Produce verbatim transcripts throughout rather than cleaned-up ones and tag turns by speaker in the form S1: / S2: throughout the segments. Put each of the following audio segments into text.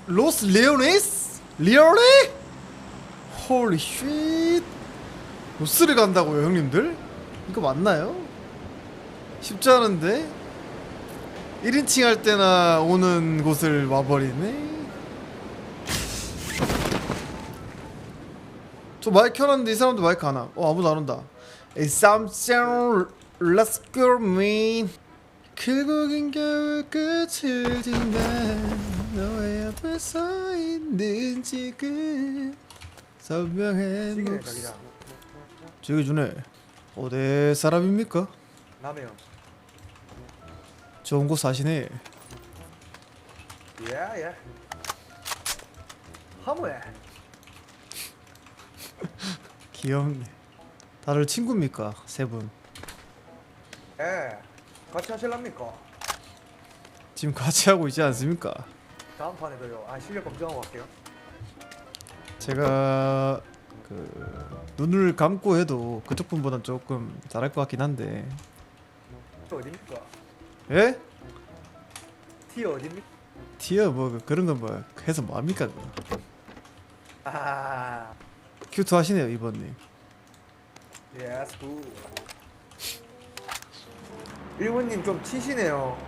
S1: 로스 레오네스? 리얼리? 홀리 쉣. 로스를 간다고요 형님들? 이거 맞나요? 쉽지 않은데? 일 인칭 할 때나 오는 곳을 와버리네. 저 마이크 켜놨는데 이 사람도 마이크 안 와. 어 아무도 안 온다. It's something let's go man. 결국엔 겨울 끝을 딘다. 너의 앞에 서 있는 지금 선명해.
S2: 시계네 자기장.
S1: 저기 주네. 어디 사람입니까?
S2: 남해요.
S1: 좋은 곳 사시네.
S2: 예예. 하모에.
S1: 귀엽네. 다들 친구입니까? 세 분.
S2: 예. 같이 하실랍니까?
S1: 지금 같이 하고 있지 않습니까?
S2: 다음 판에도요. 아 실력 검증하고 갈게요.
S1: 제가 그 눈을 감고 해도 그쪽 분보단 조금 잘할 것 같긴 한데.
S2: 또 어딥니까?
S1: 예?
S2: 티 어딥니까?
S1: 티어 뭐 그런 건 뭐 해서 뭐합니까 그거.
S2: 아.
S1: 큐트 하시네요 이번님.
S2: 예스 굿. 일본님 좀 치시네요.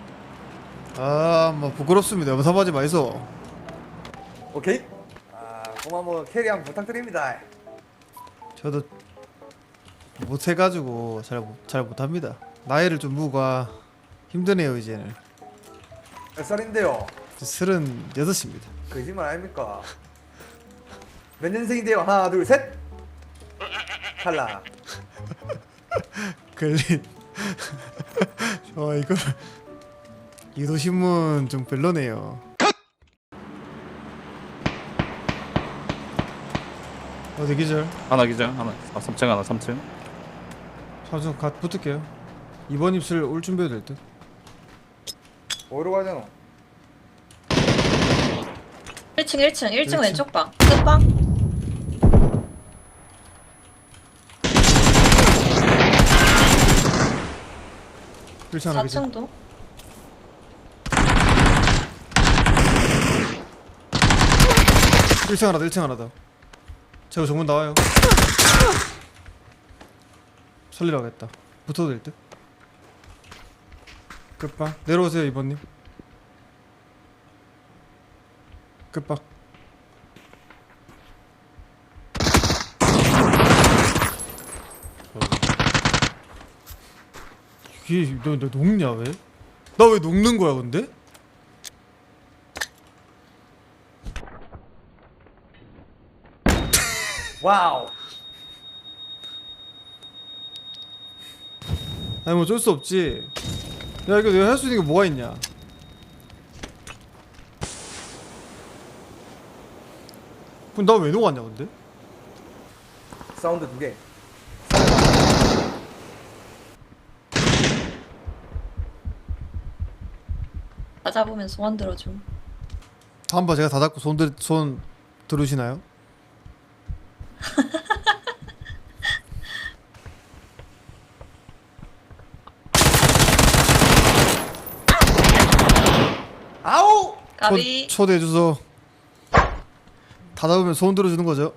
S1: 아 뭐 부끄럽습니다. 염사하지 마이소.
S2: 오케이. 아 그럼 한번 캐리 한번 부탁드립니다.
S1: 저도 못해가지고 잘, 못- 잘 못합니다. 나이를 좀 무가 힘드네요 이제는.
S2: 몇 살인데요?
S1: 서른 여섯입니다.
S2: 거짓말 아닙니까? 몇 년생인데요? 하나 둘 셋. 탈락.
S1: 걸린. 어 이거 이도신문 좀 별로네요. 어디 기절?
S3: 하나 기절 하나 아 삼 층 하나 삼 층
S1: 잠시만 갓 붙을게요. 이번 입술 올 준비해도 될 듯.
S2: 어디로 가야 되노?
S4: 일 층 일 층 일 층
S1: 일 층.
S4: 왼쪽 방 끝방.
S1: 일 층 하나 기절.
S4: 사 층도
S1: 일 층 하나 더 일 층 하나 더. 제가 정문 나와요. 살리러 가겠다. 붙어도 될 듯. 끝방 내려오세요 이번님. 끝방. 이게 너, 너 녹냐 왜? 나 왜 녹는 거야 근데?
S2: 와우.
S1: 아니 뭐 어쩔 수 없지. 야 이거 내가 할 수 있는 게 뭐가 있냐. 그럼 나 왜 녹았냐 근데?
S2: 사운드 두 개.
S4: 다 잡으면 소원 들어줌.
S1: 다음번 제가 다 잡고 손, 들, 손 들으시나요?
S2: 아우.
S4: 까비.
S1: 초, 초대해 주소. 다 잡으면 소원 들어주는 거죠.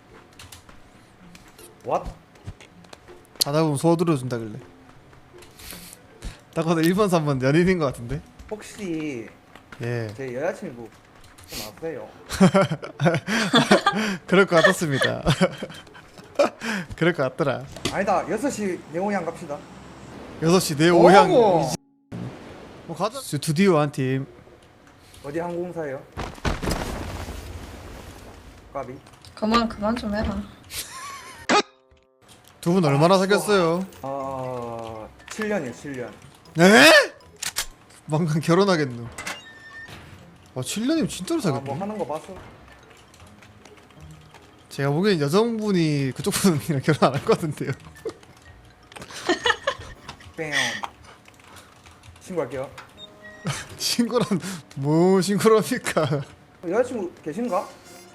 S2: 왓?
S1: 다 잡으면 소원 들어준다길래. 딱 봐도 일 번 삼 번 연인인 것 같은데.
S2: 혹시
S1: 예.
S2: 제 여자친구 좀 아세요?
S1: 그럴 것 같았습니다. 그럴 것 같더라.
S2: 아니다. 여섯 시 네오양 갑시다.
S1: 여섯 시 내 오향.
S2: 오고.
S1: 뭐 가자. 스튜디오 한 팀.
S2: 어디 항공사예요? 까비.
S4: 그만 그만 좀 해라.
S1: 두 분 얼마나 사귀었어요?
S2: 어... 칠 년이요 칠 년.
S1: 에? 망간 결혼하겠노. 아 칠 년이면 진짜로
S2: 아,
S1: 사귀었네.
S2: 뭐 하는 거 봤어?
S1: 제가 보기엔 여성분이 그쪽 분이랑 결혼 안 할 것 같은데요.
S2: 뺨. 신고할게요.
S1: 신고란 뭐 신고랍니까?
S2: 여자친구 계신가?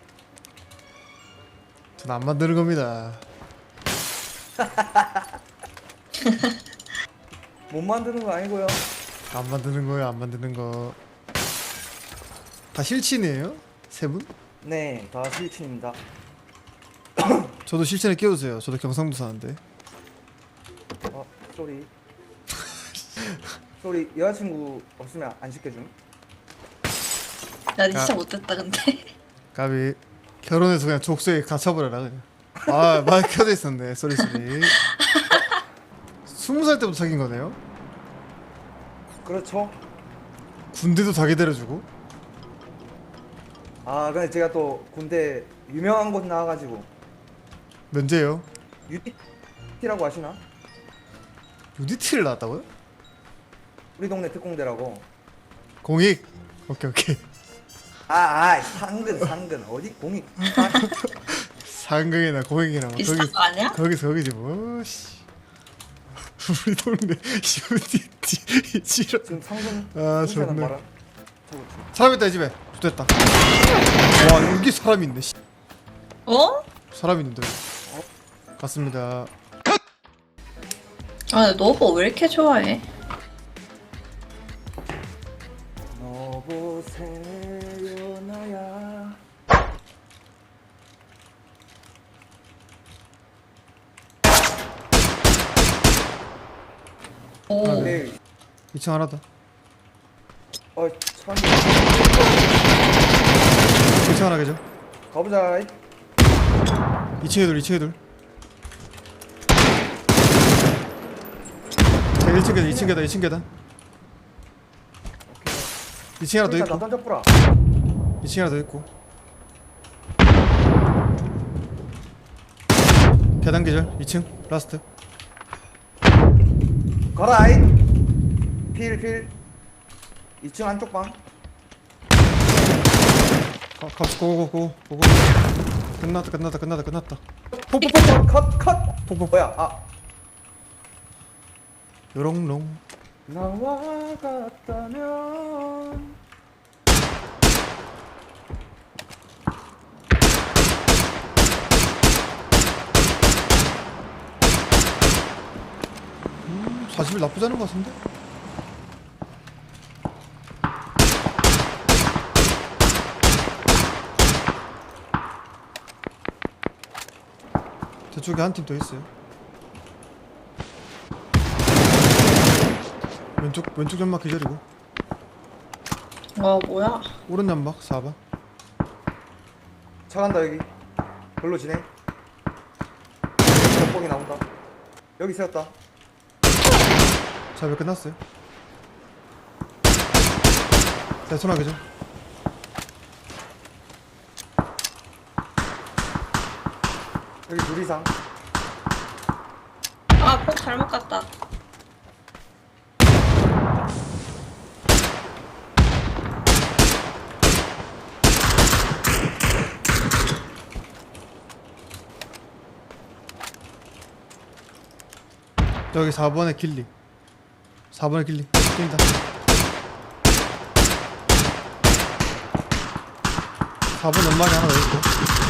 S1: 전 안 만드는 겁니다.
S2: 못 만드는 거 아니고요.
S1: 안 만드는 거예요, 안 만드는 거. 다 실친이에요? 세 분?
S2: 네, 다 실친입니다.
S1: 저도 실친에 끼워주세요. 저도 경상도 사는데.
S2: 어, 쏘리. 쏘리, 여자친구 없으면 안 시켜줌.
S4: 나 진짜
S1: 아.
S4: 못됐다 근데.
S1: 가비 결혼해서 그냥 족쇄에 갇혀버려라 그냥. 아 마이크 켜져 있었네. 쏘리 쏘리. 스무 살 때부터 사귄 거네요?
S2: 그렇죠.
S1: 군대도 자기 데려주고?
S2: 아, 근데 제가 또 군대 유명한 곳 나와가지고
S1: 면제요?
S2: 유티라고 아시나?
S1: 유디티를 나왔다고요?
S2: 우리 동네 특공대라고.
S1: 공익? 오케이 오케이.
S2: 아, 아, 상근, 상근. 어디 공이? 아,
S1: 상경이나 공익이나 막
S4: 비슷한
S1: 거기
S4: 거 아니야?
S1: 거기서 거기지 뭐 씨. 우리 동네 유디티 지랄.
S2: 지금 상근.
S1: 아,
S2: 상근은
S1: 좋네.
S2: 봐라. 저거 좀.
S1: 사람 있다 이 집에. 됐다. 와 여기 사람 있네. 씨.
S4: 어?
S1: 사람 있는데. 갔습니다.
S4: 아 근데 너보 왜 이렇게 좋아해?
S2: 너 보세요 나야.
S4: 오.
S2: 네.
S1: 이 층 하나 더.
S2: 어, 참.
S1: 이 층 하나 계죠.
S2: 가보자.
S1: 이 층에 둘, 이 층에 둘. 자, 일 층 계단, 이 층 계단, 이 층 계단. 이 층에 하나 더
S2: 일단 나
S1: 있고,
S2: 던져뿌라.
S1: 이 층에 하나 더 있고. 계단 계절, 이 층 라스트.
S2: 가라이. 필, 필. 이 층 안쪽 방.
S1: 가, 갑시 고고 고고 고고. 끝났다, 끝났다, 끝났다, 끝났다.
S2: 컷, 컷, 컷.
S1: 폭폭.
S2: 뭐야? 아.
S1: 요롱롱.
S2: 나와 같다면.
S1: 음, 사십 일 나쁘지 않은 것 같은데? 저쪽에 한 팀 더 있어요. 왼쪽 왼쪽 연막 기절이고
S4: 와 뭐야?
S1: 오른 연막 사 번.
S2: 차 간다 여기. 별로 지네. 벽봉이 나온다. 여기 세웠다.
S1: 자, 왜 끝났어요? 자, 손아 그죠?
S2: 여기 둘 이상.
S4: 아폭 잘못 갔다.
S1: 여기 사 번에 길리. 사 번에 길리. 뛴다. 사 번 연막이 하나 더 있고.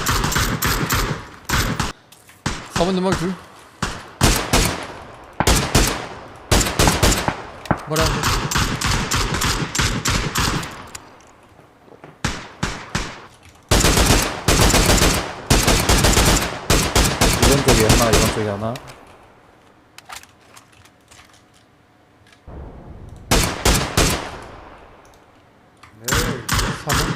S1: 사 번 연막이 둘. 뭐라 하는 거야?
S3: 이번 쪽에 하나 이번 쪽에 하나.
S2: 네.
S1: 사 번.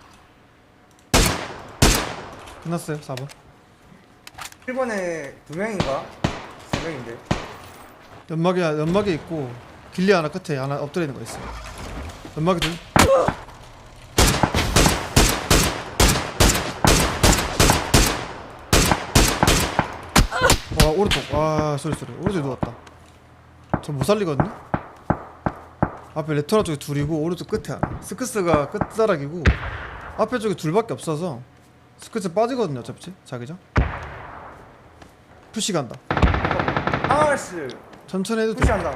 S1: 끝났어요. 사 번.
S2: 일 번에 두 명인가? 세 명인데.
S1: 연막이 연막에 있고 길리 하나 끝에 하나 엎드려 있는 거 있어. 연막이 둘. 와 오른쪽. 와 소리 소리. 오른쪽에 누웠다. 저 못 살리거든요. 앞에 레토나 쪽에 둘이고 오른쪽 끝에 하나. 스크스가 끝자락이고 앞에 쪽에 둘밖에 없어서 스크스 빠지거든요. 어차피 자기장. 푸시 간다.
S2: 아씨.
S1: 천천히 해도 돼.
S2: 푸시한다.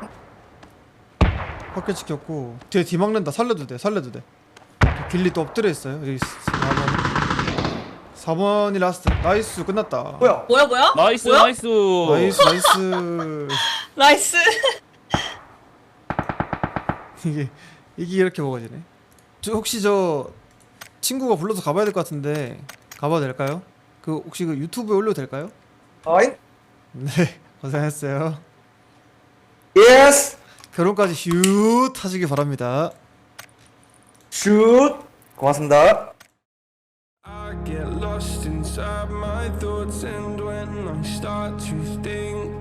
S1: 확킬 지켰고 뒤에 뒤 막는다. 살려도 돼. 살려도 돼. 길리 또 엎드려 있어요. 여기 사 번. 사 번이 라스트. 나이스. 끝났다.
S2: 뭐야?
S4: 뭐야 뭐야?
S3: 나이스
S4: 뭐야?
S3: 나이스.
S1: 나이스 나이스.
S4: 나이스.
S1: 이게 이게 이렇게 먹어지네. 저 혹시 저 친구가 불러서 가봐야 될 것 같은데 가봐도 될까요? 그 혹시 그 유튜브에 올려도 될까요?
S2: 어잉?
S1: 네 고생했어요.
S2: 예스.
S1: 결혼까지 휴 하시기 바랍니다.
S2: 슛. 고맙습니다.
S5: I get lost inside my thoughts, and when I start to think